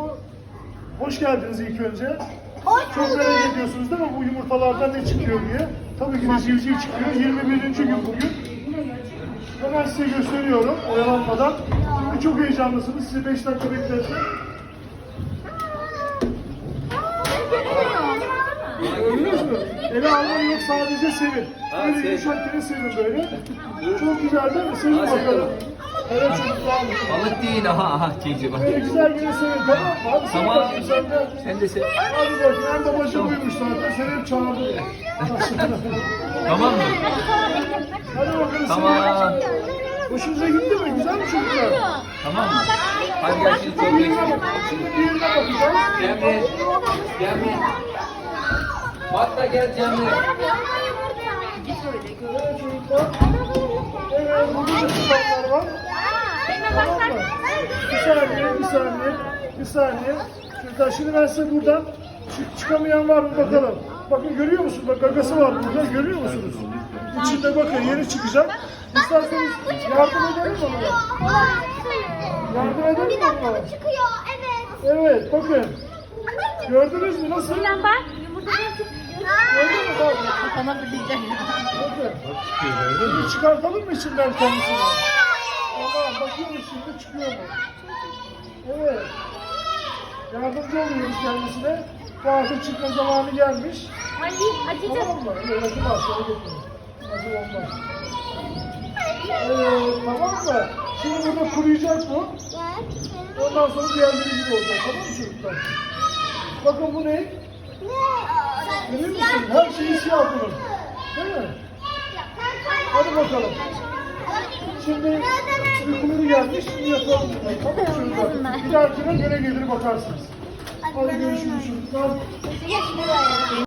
Hoş geldiniz ilk önce. Hoş Çok bulduk. merak ediyorsunuz değil mi bu yumurtalardan ne çıkıyor diye. Tabii ki de civciv çıkıyor. 21. gün bugün. Hemen size gösteriyorum oyalanmadan. Çok heyecanlısınız. Sizi 5 dakika bekleteceğim. Gördünüz mü? Ele almayı yok, sadece sevin. Böyle yumuşakken sevin böyle. Çok güzel değil mi? Sevin bakalım. Evet çocuklar. Balık değil, aha civciv. Böyle güzel gene sevin, tamam mı? Hadi sevin Tamam. bakayım sen de. Sen de sev. Hadi bakayım, hem babacı buymuş zaten. Seni hep çağırdı. Tamam mı? Hadi bakalım Tamam. sevin. Hoşunuza gitti mi? Güzel mi çocuklar? Tamam mı? Hadi gel şimdi çok Diğerine bekliyorum. bak. Şimdi diğerine bakacağız. Cemre. Cemre. Bak da gel Cemre. Evet çocuklar. Evet, burada da sıfatlar var. Tamam mı? Bir saniye. Çocuklar şimdi ben size buradan çıkamayan var mı bakalım. Bakın görüyor musunuz? Bak gagası var burada. Görüyor musunuz? İçinde bakın yeni çıkacak. İsterseniz yardım edelim mi ona? Yardım edelim mi ona? Çıkıyor, evet. Evet bakın. Gördünüz mü nasıl? Ulan bak, yumurtadan çıkıyor. Gördün mü bak? Sana fırlayacak. Bakın. Şimdi çıkartalım mı içinden kendisini? Tamam bakıyoruz şimdi çıkıyor mu? Evet. Yardımcı oluyoruz kendisine. Bu artık çıkma zamanı gelmiş. Ay, acıcık. Tamam mı? Evet acımaz. Acı olmaz. Evet tamam mı? Şimdi burada kuruyacak bu. Ondan sonra diğerleri gibi olacak. Tamam mı çocuklar? Bakın bu ne? Görüyor musun? Her şeyi siyah bunun. Değil mi? Hadi bakalım. Şimdi uykuları gelmiş. Şimdi yapalım. Tamam mı çocuklar? Bir dahakine göre gelir bakarsınız. Hadi görüşürüz çocuklar.